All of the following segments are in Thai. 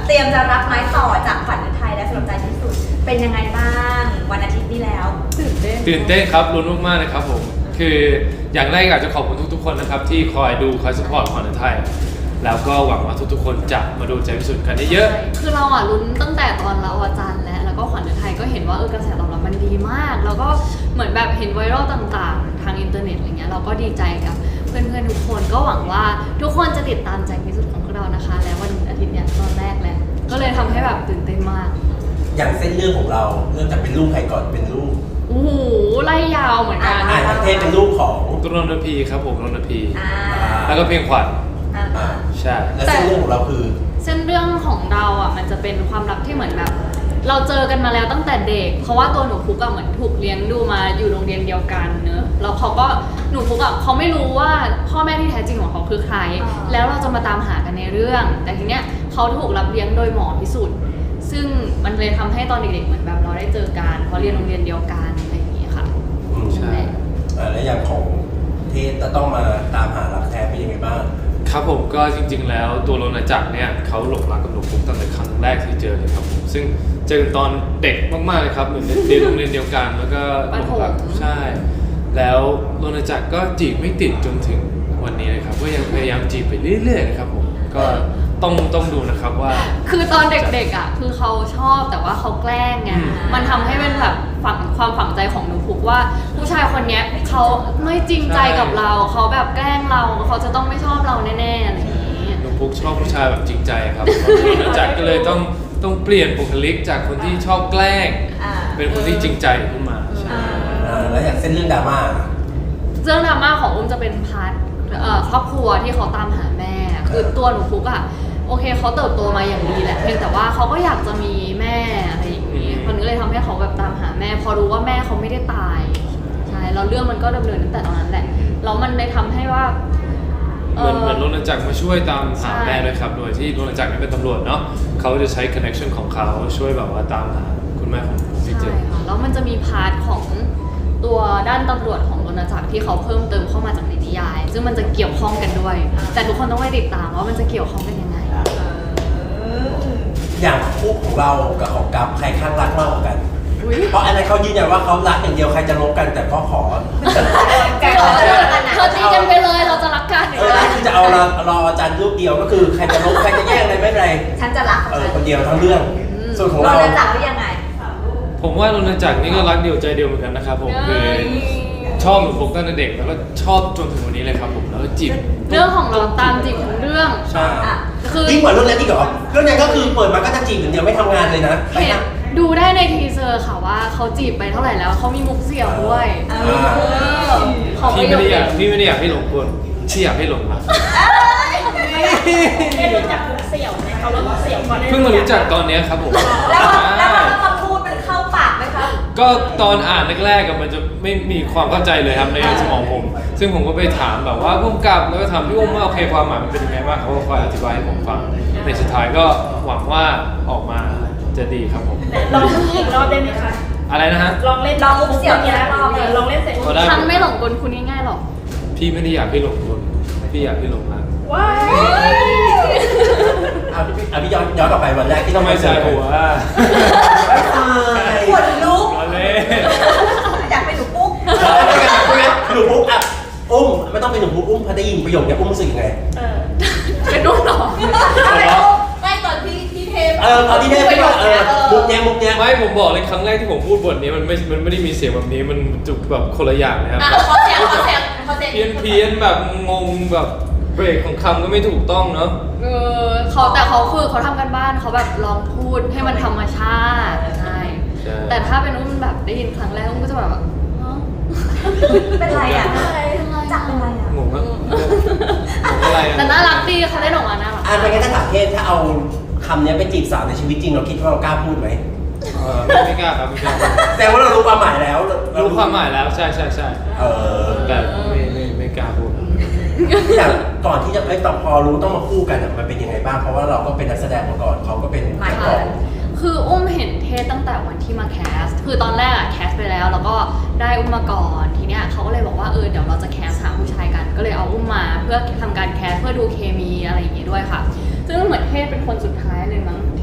เตรียมจะรับไม้ต่อจากขวัญฤทัยและสำหรับใจที่สุดเป็นยังไงบ้างวันอาทิตย์นี้แล้วตื่นเต้นครับลุ้นมากๆนะครับผมคืออย่างแรกอยากจะขอบคุณทุกๆคนนะครับที่คอยดูคอยซัพพอร์ตขวัญฤทัยแล้วก็หวังว่าทุกๆคนจะมาดูใจพิสุทธิ์กันเยอะๆคือเราลุ้นตั้งแต่ตอนเราอาจารย์แล้วก็ขวัญฤทัยก็เห็นว่ากระแสตอบรับมันดีมากแล้วก็เหมือนแบบเห็นไวรัลต่างๆทางอินเทอร์เน็ตอะไรเงี้ยเราก็ดีใจกับเพื่อนๆทุกคนก็หวังว่าทุกคนจะติดตามใจพิสุทธิ์ของพวกเรานะคะแล้ววันอาทิตย์เนี้ยตอนแรกแล้วก็เลยทำให้แบบตื่นเต้นมากอย่างเส้นเรื่องของเราเริ่มจากเป็นลูกใครก่อนเป็นลูกโอ้โหไล่ยาวเหมือนกันเทพเป็นลูกของตุลนพีครับผมตุลนพีแล้วก็เพลงขวัญใช่แล้วเส้นเรื่องของเราคือเส้นเรื่องของเรามันจะเป็นความรักที่เหมือนแบบเราเจอกันมาแล้วตั้งแต่เด็กเพราะว่าตัวหนูพุกเหมือนถูกเลี้ยงดูมาอยู่โรงเรียนเดียวกันเนอะแล้วเขาก็หนูพุกเขาไม่รู้ว่าพ่อแม่ที่แท้จริงของเขาคือใครแล้วเราจะมาตามหากันในเรื่องแต่ทีเนี้ยเขาถูกรับเลี้ยงโดยหมอพิสุทธิ์ซึ่งมันเลยทำให้ตอนเด็กๆเหมือนแบบเราได้เจอกันเพราะเรียนโรงเรียนเดียวกันอะไรอย่างนี้ค่ะใช่แล้วอย่างของเทศจะต้องมาตามหารักแท้เป็นยังไงบ้างครับผมก็จริงๆแล้วตัวโรนัจักรเนี่ยเขาหลงรักกับหนูพุกตั้งแต่ครั้งแรกที่เจอเลยครับผมซึ่งเจอตอนเด็กมากๆเลยครับเหมือนเรียนโรงเรียนเดียวกันแล้วก็หลงรักใช่แล้วโรนัจักรก็จีบไม่ติดจนถึงวันนี้เลยครับก็ยังพยายามจีบไปเรื่อยๆนะครับผมก็ต้องดูนะครับว่าคือตอนเด็กๆคือเขาชอบแต่ว่าเขาแกล้งไงมันทำให้เป็นแบบความฝังใจของหนูพุกว่าผู้ชายคนนี้เขาไม่จริงใจกับเราเขาแบบแกล้งเราเขาจะต้องไม่ชอบเราแน่ๆอะไรอย่างนี้หนูพุกชอบผู้ชายแบบจริงใจครับโรนัจักรก็เลยต้องเปลี่ยนบุคลิกจากคนที่ชอบแกล้งเป็นคนที่จริงใจขึ้นมาแล้วอย่างเส้นเรื่องดราม่าเรื่องดราม่าของอุ้มจะเป็นพาร์ทครอบครัวที่เขาตามหาแม่คือตัวหนูพุกโอเคเขาเติบโตมาอย่างดีแหละเพียงแต่ว่าเขาก็อยากจะมีแม่อะไรอย่างนี้คนนี้เลยทำให้เขาแบบตามหาแม่พอรู้ว่าแม่เขาไม่ได้ตายใช่แล้วเรื่องมันก็ดำเนินตั้งแต่ตอนนั้นแหละแล้วมันเลยทำให้ว่าเหมือนโรนัจักรมาช่วยตามหาแม่ด้วยครับโดยที่โรนัจักรนี่เป็นตำรวจเนาะเขาจะใช้ connection ของเขาช่วยแบบว่าตามหาคุณแม่ของพี่เจใช่ค่ะแล้วมันจะมีพาร์ทของตัวด้านตำรวจของโรนัจักรที่เขาเพิ่มเติมเข้ามาจากในนิยายซึ่งมันจะเกี่ยวข้องกันด้วยแต่ทุกคนต้องไปติดตามว่ามันจะเกี่ยวข้องกันยังไงอย่างคู่ของเรากับของกับใครข้างรักมากกว่ากันเพราะอันนั้นเขายืนยันว่าเขารักอย่างเดียวใครจะลบกันแต่ก็ขอเธอตีกันไปเลยเราจะรักกันคือจะเอารออาจารย์รูปเดียวก็คือใครจะลบใครจะแย่งอะไรไม่เป็นไรฉันจะรักคนเดียวทั้งเรื่องส่วนของเราโรนัจักรยังไงผมว่าโรนัจักรนี่ก็รักเดียวใจเดียวเหมือนกันนะครับผมคือชอบหนูพุกตั้งแต่เด็กแล้วก็ชอบจนถึงวันนี้เลยครับผมแล้วก็จีบเรื่องของเราตามจีบทั้งเรื่องใช่คือยิ่งกว่าเรื่องนั้นอีกเหรอเรื่องนั้นก็คือเปิดมาก็จะจีบอย่างเดียวไม่ทำงานเลยนะดูได้ในทีเซอร์ค่ะว่าเขาจีบไปเท่าไหร่แล้วเขามีมุกเสี่ยวด้วยพี่ไม่ได้อยากให้หลงคนที่อยากให้หลงรักไม่รู้จักมุกเสี่ยวไหมเขาเริ่มมุกเสี่ยวก่อนเพิ่งมารู้จักตอนนี้ครับผมแล้วมาพูดมันเข้าปากไหมครับก็ตอนอ่านแรกๆมันจะไม่มีความเข้าใจเลยครับในสมองผมซึ่งผมก็ไปถามแบบว่าพุ่มกับแล้วก็ถามพี่อุ้มว่าโอเคความหมายมันเป็นยังไงบ้างเขาก็คอยอธิบายให้ผมฟังในสุดท้ายก็หวังว่าออกมาจะดีครับผมลองอีกรอบได้ไหมคะอะไรนะฮะลองมุกเสี่ยวอีกรอบลองเล่นเสร็จฉันไม่หลงกลคุณง่ายๆหรอกพี่ไม่ได้อยากให้หลงกลพี่อยากให้หลงรักว้ายพี่ย้อนกลับไปวันแรกที่ทำไมใส่หัวปวดลุกอยากเป็นหนูปุ๊กหนูปุ๊กอุ้มไม่ต้องเป็นหนูปุ๊กอุ้มพอได้ยินประโยคนี้อุ้มรู้สึกยังไงเป็นนุ่มหรอไม่ตอนที่เทปตอนที่เทปมุกเนี้ยไม่ผมบอกเลยครั้งแรกที่ผมพูดบทนี้มันไม่ได้มีเสียงแบบนี้มันจุกแบบคนละอย่างนะครับขอเสียงเพี้ยนแบบงงแบบเบรกของคำก็ไม่ถูกต้องเนาะแต่เขาคือเขาทำกันบ้านเขาแบบลองพูดให้มันธรรมชาติใช่แต่ถ้าเป็นอุ้มแบบได้ยินครั้งแรกอุ้มก็จะแบบเป็นไรอ่ะจักเป็นไรอ่ะงงอะไรแต่น่ารักดีเขาได้ออกมาน่ารักไม่งั้นถ้าถามเทศถ้าเอาคำนี้ไปจีบสาวในชีวิตจริงเราคิดว่าเรากล้าพูดไหมไม่กล้าครับแต่ว่าเรารู้ความหมายแล้วรู้ความหมายแล้วใช่แต่ไม่กล้าพูดอย่างก่อนที่จะต่อพอรู้ต้องมาคู่กันมันเป็นยังไงบ้างเพราะว่าเราก็เป็นนักแสดงมาก่อนเขาก็เป็นนักร้องคืออุ้มเห็นเทศตั้งแต่วันที่มาแคสคือตอนแรกแคสไปแล้วก็ได้อุ้มมาก่อนทีเนี้ยเขาก็เลยบอกว่าเดี๋ยวเราจะแคสหาผู้ชายกันก็เลยเอาอุ้มมาเพื่อทำการแคสเพื่อดูเคมีอะไรอย่างงี้ด้วยค่ะซึ่งเหมือนเทศเป็นคนสุดท้ายเลยมั้งท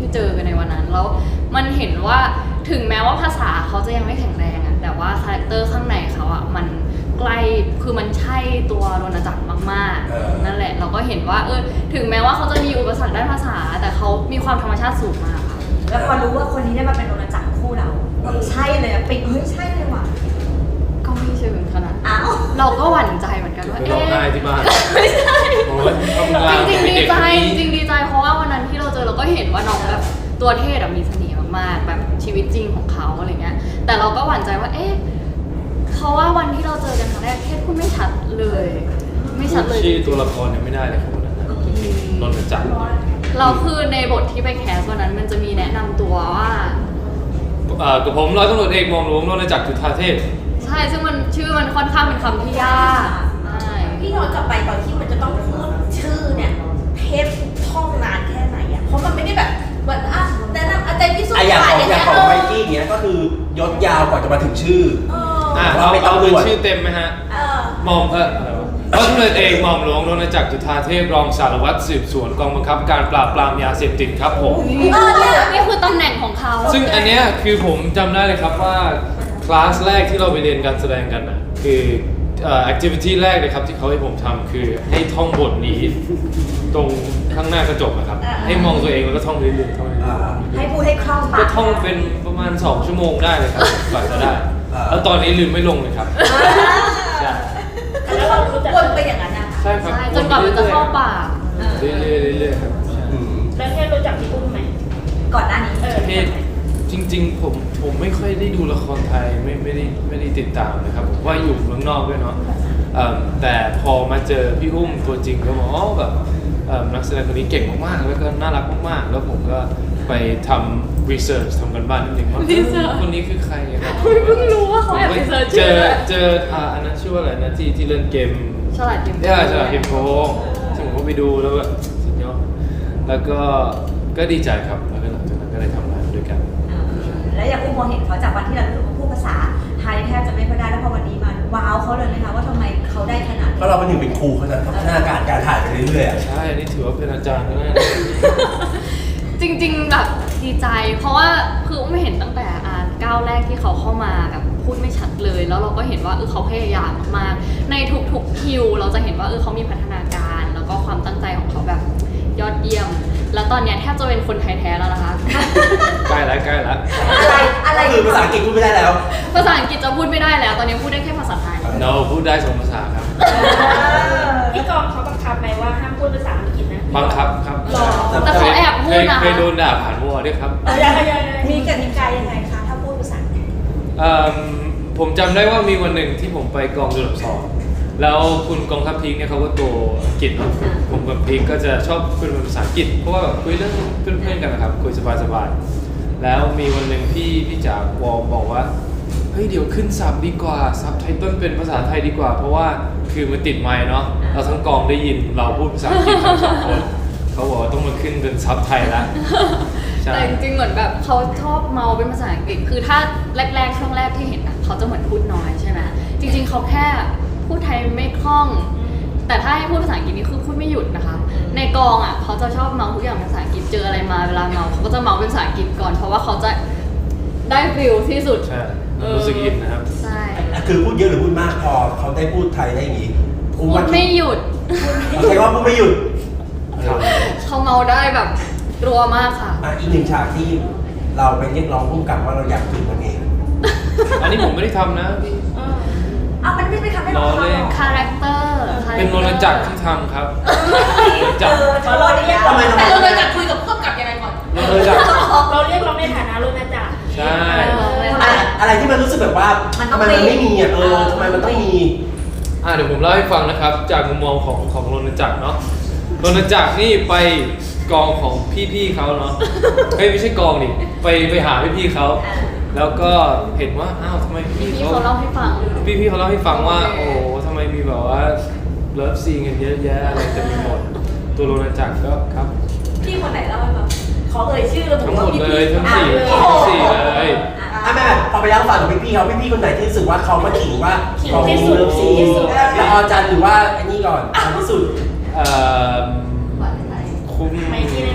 ที่เจอกันในวันนั้นแล้วมันเห็นว่าถึงแม้ว่าภาษาเขาจะยังไม่แข็งแรงอะแต่ว่าคาแรคเตอร์ข้างในเขาอะมันใกล้คือมันใช่ตัวโรณจักรมากๆนั่นแหละเราก็เห็นว่าถึงแม้ว่าเขาจะมีอุปสรรคด้านภาษาแต่เขามีความธรรมชาติสูงมากค่ะแล้วพอรู้ว่าคนนี้ได้มาเป็นโรณจักรคู่เราใช่เลยอะปิ๊งเฮ้ยใช่เลยว่ะก็ไม่เชิงขนาดนั้นอ้าวเราก็หวั่นใจเหมือนกันว่าร้องไห้ที่บ้านไม่ใช่โอ้ยทำงานจริงเป็นๆดีเด็กใจคนนี้จริงๆดีใจเพราะว่าวันนั้นที่เราเจอเราก็เห็นว่าน้องแบบตัวเทศมีเสน่ห์มากๆแบบชีวิตจริงของเขาอะไรเงี้ยแต่เราก็หวั่นใจว่าเขาว่าวันที่เราเจอกันครั้งแรกเทศพูดไม่ชัดเลย ไม่ชัดเลยชื่อตัวละครยังไม่ได้เลยครับวันนั้นนะนนท์จักรเราคือในบทที่ไปแคสวันนั้นมันจะมีแนะนำตัวว่ากับผมร้อยตำรวจเอกหม่อมหลวงนนท์จักรจุฑาเทพใช่ซึ่งมันชื่อมันค่อนข้างเป็นคำที่ยากใช่พี่ย้อนกลับไปตอนที่มันจะต้องพูดชื่อเนี่ยเทปท่องนานแค่ไหนอ่ะเพราะมันไม่ได้แบบเหมือนแนะนำอาจารย์พิสุทอะธิ์อย่างผ่านของอย่างอย่างเงี้ยของไมกี้เนี้ยก็คือยศยาวกว่าจะมาถึงชื่อเอาเป็นชื่อเต็มไหมฮะเออหม่อมอะไรวะร้อยตำรวจเอกหม่อมหลวงนนท์จักรจุฑาเทพรองสารวัตรสืบสวนกองบังคับการปราบปรามยาเสพติดครับผมนี่คือตำแหน่งของเขาซึ่งอันเนี้ยคือผมจำได้เลยครับว่าคลาสแรกที่เราไปเรียนการแสดงกันนะคือactivity แรกเลยครับที่เขาให้ผมทำคือให้ท่องบทนี้ตรงข้างหน้ากระจกนะครับให้มองตัวเองแล้วก็ท่องเรื่อยๆท่องเรื่อยๆให้พูดให้คล่องปากก็ท่องเป็นประมาณ 2 ชั่วโมงได้เลยครับกว่าจะได้ แล้วตอนนี้ลืมไม่ลงเลยครับใช่แล้วเรารู้จักวนไปอย่างนั้นนะใช่ครับใช่จนกว่ามันจะเข้าปากเรื่อยๆเรื่อยๆครับใช่แล้วเทปรู้จักพี่อุ้มไหมก่อนหน้านี้เพศจริงๆผมไม่ค่อยได้ดูละครไทยไม่ได้ติดตามนะครับผมว่าอยู่เมืองนอกด้วยเนาะแต่พอมาเจอพี่อุ้มตัวจริงก็บอกอ๋อแบบนักแสดงคนนี้เก่งมากๆแล้วก็น่ารักมากๆแล้วผมก็ไปทำ research ทำกันบ้านนิดนึงว่าคนนี้คือใครครับเพิ่งรู้ว่าเขาแอบไปเซิร์ชชื่อเจออันนั้นชื่อว่าอะไรนะที่เล่นเกมฉลาดเกมฉลาดเกมโกงซึ่งผมก็ไปดูแล้วแบบสุดยอดแล้วก็ดีใจครับแล้วก็หลังจากนั้นก็ได้ทำงานด้วยกันแล้วอย่างอุ้มมองเห็นเขาจากวันที่เรารู้สึกว่าพูดภาษาไทยแทบจะไม่ค่อยได้แล้วพอวันนี้มาว้าวเขาเลยไหมคะว่าทำไมเขาได้ขนาดเพนี้ราะเราเป็นหนึ่งเป็นครูเขาจะพัฒนาการถ่ายไปเรื่อยๆอะใช่ อันนี้ถือว่าเป็นอาจารย์นะจริงๆแบบดีใจ เพราะว่าคือไม่เห็นตั้งแต่ก้าวแรกที่เขาเข้ามาแบบพูดไม่ชัดเลย แล้วเราก็เห็นว่าเขาพยายามมากๆในทุกๆคิวเราจะเห็นว่าเขามีพัฒนาการแล้วก็ความตั้งใจของเขาแบบยอดเยี่ยม แล้วตอนเนี้ยแทบจะเป็นคนไทยแท้แล้วนะคะใกล้แล้วอะไรก็คือภาษาอังกฤษพูดไม่ได้แล้วภาษาอังกฤษจะพูดไม่ได้แล้ว ตอนนี้พูดได้แค่ภาษาไทยเราพูดได้2 ภาษาครับที่กองเขาบังคับไหมว่าห้ามพูดภาษาอังกฤษนะบังคับครับหรอแต่เขาแอบพูดนะคะเคยโดนด่าผ่านวอด้วยครับมีกติกายังไงคะถ้าพูดภาษาอังกฤษผมจำได้ว่ามีวันหนึ่งที่ผมไปกองจุลสองแล้วคุณกองทัพพีคเนี่ยเขาก็ตัวอังกฤษเนอะผมกับพีคก็จะชอบคุยเป็นภาษาอังกฤษเพราะว่าแบบคุยเรื่องเพื่อนๆกันนะครับคุยสบายๆแล้วมีวันหนึ่งพี่จ๋าวอบอกว่าเฮ้ยเดี๋ยวขึ้นซับดีกว่าซับไทเติ้ลเป็นภาษาไทยดีกว่า เพราะว่าคือมันติดไมค์เนาะเราทั้งกองได้ยินเราพูดภาษาอังกฤษทั้งสองคนเขาบอกว่าต้องมาขึ้นเป็นซับไทยแล้วใช่แต่จริงๆเหมือนแบบเขาชอบเมาเป็นภาษาอังกฤษ คือถ้าแรกๆช่วงแรกที่เห็นอะเขาจะเหมือนพูดน้อยใช่ไหมจริงๆเขาแค่พูดไทยไม่คล่อง แต่ถ้าให้พูดภาษาอังกฤษนี่คือพูดไม่หยุดนะคะ ในกองอะเขาจะชอบเมาทุกอย่างเป็นภาษาอังกฤษ เจออะไรมาเวลาเมาเขาก็จะเมาเป็นภาษาอังกฤษก่อน เพราะว่าเขาจะได้ฟิลที่สุดใช่รู้สึกอินนะครับใช่คือพูดเยอะหรือพูดมากพอเขาได้พูดไทยได้อย่างนี้พูดไม่หยุดเขาใช้ว่าพูดไม่หยุดครับเขาเมาได้แบบรัวมากค่ะอีกหนึ่งฉากที่เราไปเรียกร้องพุ่มกับว่าเราอยากถึงมันเองอันนี้ผมไม่ได้ทำนะพี่เอามันไม่ไปทำให้เราล้อเล่นคาแรคเตอร์เป็นโรนจักรที่ทำครับโรนจักรขอรอเรียกทำไมแต่เราเลยจะคุยกับผู้กำกับยังไงก่อนโรนจักรเราเรียกร้องในฐานะรุ่นอาจารย์ใช่อะไรที่มันรู้สึกแบบว่าทำไมมันไม่มีอ่ะทำไมมันต้องมีเดี๋ยวผมเล่าให้ฟังนะครับ จากมุมมองของโรนจักรเนาะโรนจักรนี่ไปกองของพี่ๆเขาเนาะไม่ใช่กองดิไปหาพี่ๆเขาแล้วก็เห็นว่าอ้าวทำไมพี่พี่เขาเขาเล่าให้ฟังพี่เขาเล่าให้ฟังว่า โอ้โหทำไมมีแบบว่าเลิฟซีนกันเยอะแยะอะไรเต็มไปหมดตัวโรนจักรก็ครับพี่คนไหนเล่าให้ฟังขอเอ่ยชื่อระบุทั้งหมว่าดพี่เลยทั้งสี่โอ้โหทั้งสี่เลยแม่พอไปแล้วฝั่งของพี่เขาพี่คนไหนที่รู้สึกว่าเขามาขิงว่าของเลิฟซีแล้วอาจารย์หรือว่าอันนี้ก่อนที่สุดคุ้มไม่ที่แน่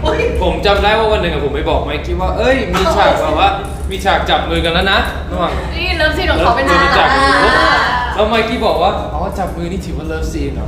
ผมจำได้ว่าวันหนึ่งอะผมไปบอกไมค์กี้ว่าเอ้ยมีฉากแบบว่ามีฉากจับมือกันแล้วนะระหว่างนี่เลิฟซีนของเขาเป็นเลิฟซีนจับมืออ่าแล้วไมค์กี้บอกว่าอ๋อจับมือนี่ถือว่าเลิฟซีนเหรอ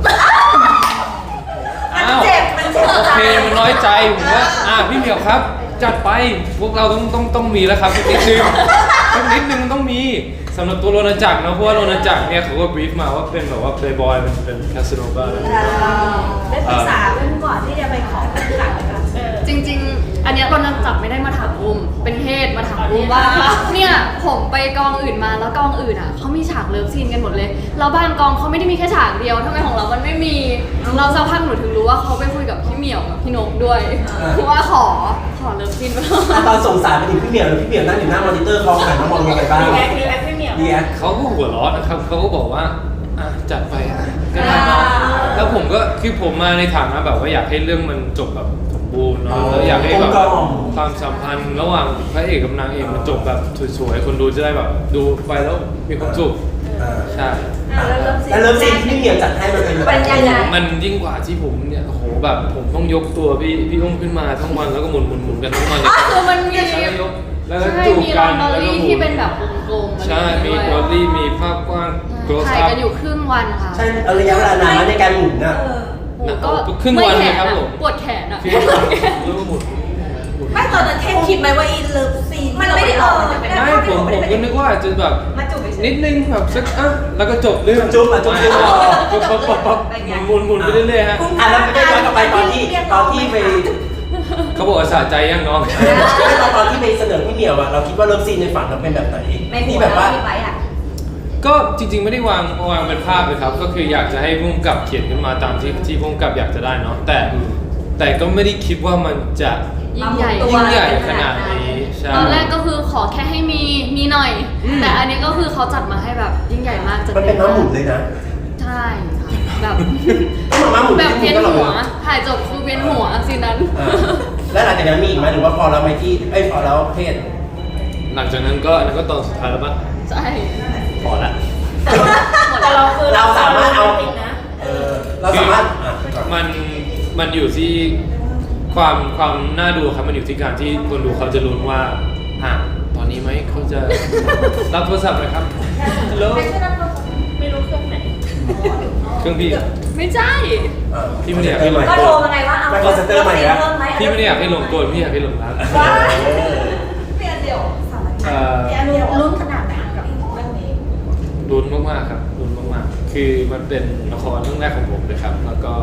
มันเจ็บมันเจ็บโอเคมันน้อยใจผมว่าพี่เหมียวครับ จัดไปพวกเราต้องมีแล้วครับสักนิดนึงสักนิดนึงต้องมีสำหรับตัวโรนัลจักรนะเพราะว่าโรนัลจักรเนี่ยเขาก็บรีฟมาว่าเป็นแบบว่าเพลย์บอยเป็นคาสโนวาได้ปรึกษาเพื่อนก่อนที่จะไปขอผู้จัดนะคะจริงๆ อันเนี้ยเราจับไม่ได้มาถามอุ้มเป็นเทศมาถามอุ้มว่าเนี่ยผมไปกองอื่นมาแล้วกองอื่นอ่ะเขามีฉากเลิฟซีนกันหมดเลยแล้วบางกองเขาไม่ได้มีแค่ฉากเดียวทำไมของเรามันไม่มีเราสักพักหนูถึงรู้ว่าเขาไปคุยกับพี่เหมียวกับพี่นกด้วยคือว่าขอเลิฟซีนไปตอนส่งสารไปถึงพี่เหมียวแล้วพี่เหมียวนั่งอยู่หน้ามอนิเตอร์เขาหันมามองยังไงบ้างรีแอคพี่เหมียวดีแอคเขาก็หัวเร้อนนะครับเขาก็บอกว่าจัดไปก็ได้เนาะแล้วผมก็คือผมมาในฐานะแบบว่าอยากให้เรื่องมันจบแบบสมบูรณ์เนาะแล้วอยากให้แบบความสัมพันธ์ระหว่างพระเอกกับนางเอกมันจบแบบสวยๆคนดูจะได้แบบดูไปแล้วมีความสุขใช่แล้วเริ่มซีนที่พี่เหมียวจัดให้มันเป็นเป็นยังไงมันยิ่งกว่าที่ผมเนี่ยโอ้โหแบบผมต้องยกตัวพี่อุ้มขึ้นมาทั้งวันแล้วก็หมุนกันทั้งวันเลยคือมันมีแล้วยกแล้วก็ใช่จูบมีกัลอน นดอลแล้วก็ลี่หมุที่นเป็นแบบวงกลมใช่มีบอลลี่มีภาพกว้างโกลถ่ายซับกันอยู่ครึ่งวันค่ะใช่เอาระยะเวลานานในการหมุนน่ะโอ้ก็ครึ่งวันเลยครับผมปวดแขนอ่ะคือแล้วก็หมุนไม่ตอนนั้นเทพคิดไหมว่าอีเลิฟซีนมันไม่ได้ออกจะเป็นไม่ผมก็นึกว่าจะแบบมาจูบไปเฉยนิดนึงแบบสักแล้วก็จบเรื่องจุ๊บจุ๊บปั๊บหมุนไปเรื่อยๆฮะแล้วไม่ได้ย้อนกลับไปตอนที่ไปเขาบอกว่าสะใจยังน้องตอนที่ไปเสนอพี่เหมียวอะเราคิดว่าเริ่มซีนในฝันเราเป็นแบบไหนในหัที่วแบบว่าที่ไว้อะก็จริงๆไม่ได้วางเป็นภาพเลยครับ ก็คืออยากจะให้พุ่มกับเขียนขึ้นมาตามที่พุ่มกับอยากจะได้เนาะแต่ก็ไม่ได้คิดว่ามันจะยิ่งใหญ่ยิ่งใหญ่ขนาดนี้ใช่ตอนแรกก็คือขอแค่ให้มีหน่อย แต่อันนี้ก็คือเขาจัดมาให้แบบยิ่งใหญ่มากจะมันเป็นม้าหมุนเลยนะใช่ค่ะแบบม้าหมุนแบบเวียนก็หรอหัวถ่ายจบคือเวียนหัวสินั้นแล้วหลังจากนั้นมีอีกไหมหรือว่าพอเราไม่ที่พอแล้วเพศหลังจากนั้นก็อันนั้นก็ตอนสุดท้ายแล้วปะใช่พอละแต่เราคือเราสามารถเอาจริงนะเราสามารถมันอยู่ที่ความน่าดูครับมันอยู่ที่การที่คนดูเขาจะลุ้นว่าตอนนี้ไหมเขาจะรับโทรศัพท์ไหมครับฮัลโหลไม่รู้เครื่องไหนเครื่องพี่ไม่ใช่พี่ไม่ได้อยากให้ลงก็โทรมาไงว่าเอาไม่คอนเซ็ปเตอร์ใหม่แล้วเพิ่มไหมพี่ไม่ได้อยากให้ลงโกนพี่อยากให้ลงรักว้ายเปลี่ยนเดี๋ยวสามารถลุ้นขนาดไหนกับเรื่องนี้ลุ้นมากๆครับลุ้นมากๆคือมันเป็นละครเรื่องแรกของผมเลยครับแล้วก็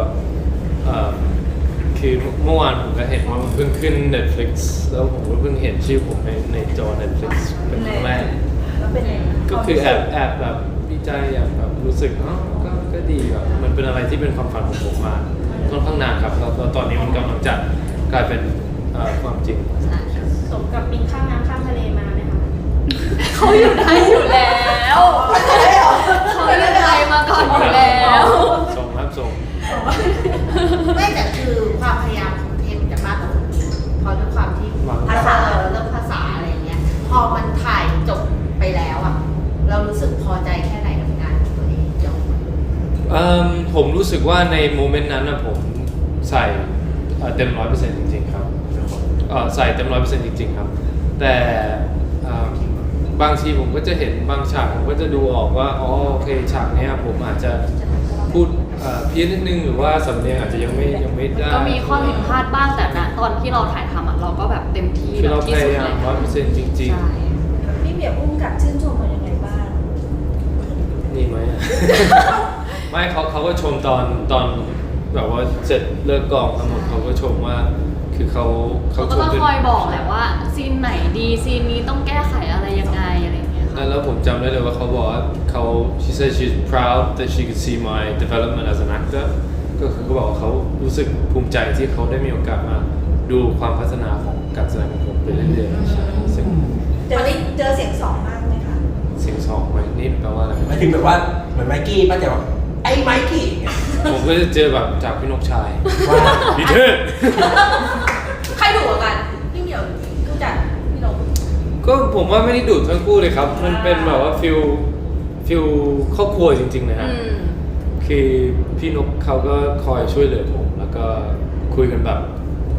คือเมื่อวานผมก็เห็นว่ามันเพิ่งขึ้น Netflix แล้วผมก็เพิ่งเห็นชื่อผมในจอ Netflix เป็นครั้งแรกแล้วเป็นไงก็คือแอบแบบดีใจอยากแบบรู้สึกก็ดีแบบมันเป็นอะไรที่เป็นความฝันของผมมาค่อนข้างนานครับแล้วตอนนี้มันกำลังจะกลายเป็นความจริงสมกับบินข้ามน้ำข้ามทะเลมาไหมคะเขาอยู่ไทยอยู่แล้วเขาอยู่ไทยมาก่อนอยู่แล้วส่งครับส่งไม่แต่คือความพยายามของเทมจะมากกว่าคนอื่นเพราะด้วยความที่ภาษาเรื่องภาษาอะไรเงี้ย พอมันถ่ายจบไปแล้วอ่ะ เรารู้สึกพอใจแค่ไหนกับงานของตัวเองจบผมรู้สึกว่าในโมเมนต์นั้นนะผมใส่เต็ม 100% จริงๆครับใส่เต็ม 100% จริงๆครับ แต่บางทีผมก็จะเห็นบางฉากผมก็จะดูออกว่าโอเคฉากเนี้ยผมอาจจะพูดเพี้ยนนิดนึงหรือว่าสำเนียงอาจจะยังไม่ได้ก็มีข้อผิดพลาดบ้างแต่ณตอนที่เราถ่ายทำอ่ะเราก็แบบเต็มที่คือเราที่พสุดยายาเลมย 100% จริงใช่พี่เหมียวอุ้มกับชื่นชมมันยังไงบ้างๆ นี่ไหม ไม่เขาก็ชมตอนแบบว่าเสร็จเลิกกองทั้งหมดเขาก็ชมว่าคือเขาเขาก็ชมต้องเป็นคอยบอกแหละว่าซีนไหนดีซีนนี้ต้องแก้ไขอะไรยังไงอะไรอย่างเงี้ยค่ะแล้วผมจำได้เลยว่าเขาบอกว่าshe said she's proud that she could see my development as an actor ก็คือเขาบอกว่าเขารู้สึกภูมิใจที่เขาได้มีโอกาสมาดูความพัฒนาของการแสดงของผมไปเรื่อยๆใช่ซึ่งเจอเสียงสองมากไหมคะเสียงสองไหมนี่แปลว่าอะไรหมายถึงแบบว่าเหมือนไมกี้ป้าจะบอกไอ้ไมกี้ผมก็จะเจอแบบจากพี่นกชายว่าดีเทิดใครดุกว่ากัน พี่เหมียวกูจัดพี่นกก็ผมว่าไม่ได้ดูดทั้งคู่เลยครับ มันเป็นแบบว่าฟิลครอบครัวจริงๆนะฮะอืมคือพี่นกเขาก็คอยช่วยเหลือผม แล้วก็คุยกันแบบ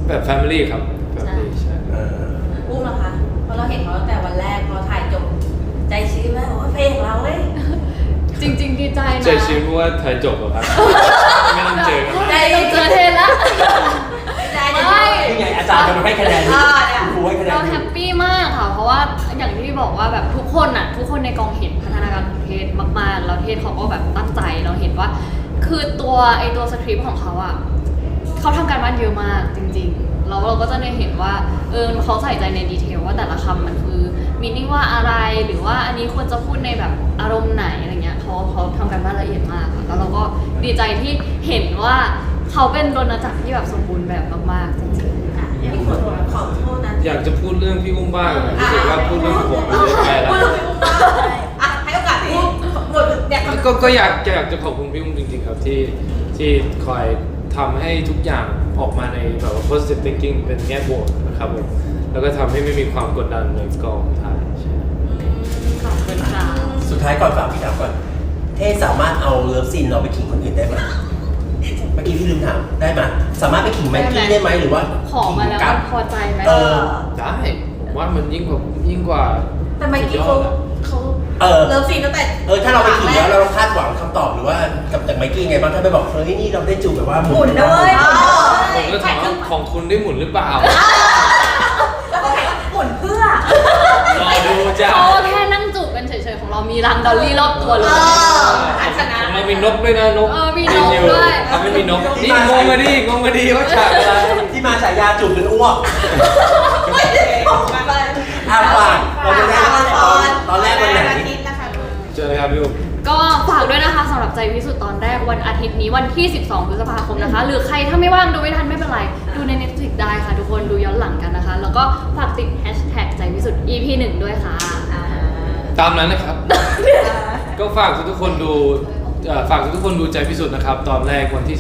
แบบ family ครับ family ใช่อุ้มเหรอคะเพราะเราเห็นเขาตั้งแต่วันแรกพอถ่ายจบใจชื้นไหมโอ้ยเพลงเราเว้ยจริง ๆ ดีใจนะใจชื้นเพราะว่าถ่ายจบแล้วครับ ไม่ต้องเจอกันใจเราเจอเทนละใจไม่นี่ไงอาจารย์กำลังให้คะแนนอยู่ครูให้คะแนนเราอแฮยู่ปปี้มากค่ะ เพราะว่าอย่างที่บอกว่าแบบทุกคนในกองเห็นพัฒนาการของเทศมากๆแล้วเทศเขาก็แบบตั้งใจเราเห็นว่า คือตัวสคริปต์ของเขาอ่ะเขาทำการบ้านเยอะมากจริงๆแล้วเราก็จะได้เห็นว่าเขาใส่ใจในดีเทลว่าแต่ละคำมันคือมีนิ่งว่าอะไรหรือว่าอันนี้ควรจะพูดในแบบอารมณ์ไหนอะไรเงี้ยเขาทำการบ้านละเอียดมากค่ะแล้วเราก็ดีใจที่เห็นว่าเขาเป็นโดนจักรที่แบบสมบูรณ์แบบมากๆจริงๆพี่ขอโทษนะอยากจะพูดเรื่องพี่อุ้มบ้างรู้สึกว่าพูดเรื่องผมไปเรื่อยๆแล้วพูดเรื่องพี่อุ้มบ้างอ่ะให้โอกาสพูดหมดเนี่ยก็อยากจะขอบคุณพี่อุ้มจริงๆครับที่คอยทำให้ทุกอย่างออกมาในแบบว่า positive thinking เป็นแง่บวกนะครับผมแล้วก็ทำให้ไม่มีความกดดันในกองถ่ายใช่ขอบคุณค่ะสุดท้ายก่อนฝากพี่ถามก่อนเทสามารถเอาเลิฟซีนเราไปขิงคนอื่นได้ไหมเมื่อกี้พี่ลืมถามได้ไหมสามารถไปขิงแม็กกี้ได้ไหมหรือว่าขอมาแล้วขิงมันพอใจไหมได้ผมว่ามันยิ่งกว่าแต่เมื่อกี้เขา เลิฟซีนตั้งแต่ถ้าเราไปขิงแล้วเราคาดหวังคำตอบหรือว่ากับไมค์กี้ไงบ้างถ้าไปบอกเฮ้ยนี่เราได้จูบแบบว่าหมุนนะเว้ยผมก็ถามว่าของคุณได้หมุนหรือเปล่าแล้วก็หมุนเพื่อรอดูจ้าเขาแค่นั่งจูบกันเฉยๆของเรามีรังดอลลี่รอบตัวเลยของเรามีนกด้วยนะนกมีนกด้วยเขาไม่มีนกนี่งงมาดิว่าฉากอะไรที่มาฉายาจูบเป็นอ้วกไม่ได้ผมไปฝากเราจะได้ตอนแรกวันไหนอาทิตย์นะคะเจอเลยครับพี่อุ้มก็ฝากด้วยนะคะสำหรับใจพิสุทธิ์ตอนแรกวันอาทิตย์นี้วันที่ 12 พฤษภาคมนะคะ หรือใครถ้าไม่ว่างดูไม่ทันไม่เป็นไร ดูใน Netflix ได้ค่ะทุกคนดูย้อนหลังกันนะคะ แล้วก็ฝากติด hashtag ใจพิสุทธิ์ EP 1 ด้วยค่ะตามนั้นนะครับ ก็ฝากทุกคนดูใจพิสุทธิ์นะครับ ตอนแรกวันที่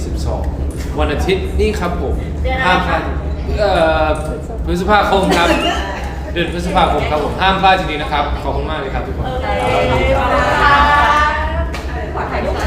12 วันอาทิตย์นี่ครับผมห้ามพลาดพฤษภาคมครับ เดือนพฤษภาคมครับผมห้ามพลาดทีนี้นะครับขอบคุณมากเลยครับทุกคนขอบคุณค่ะ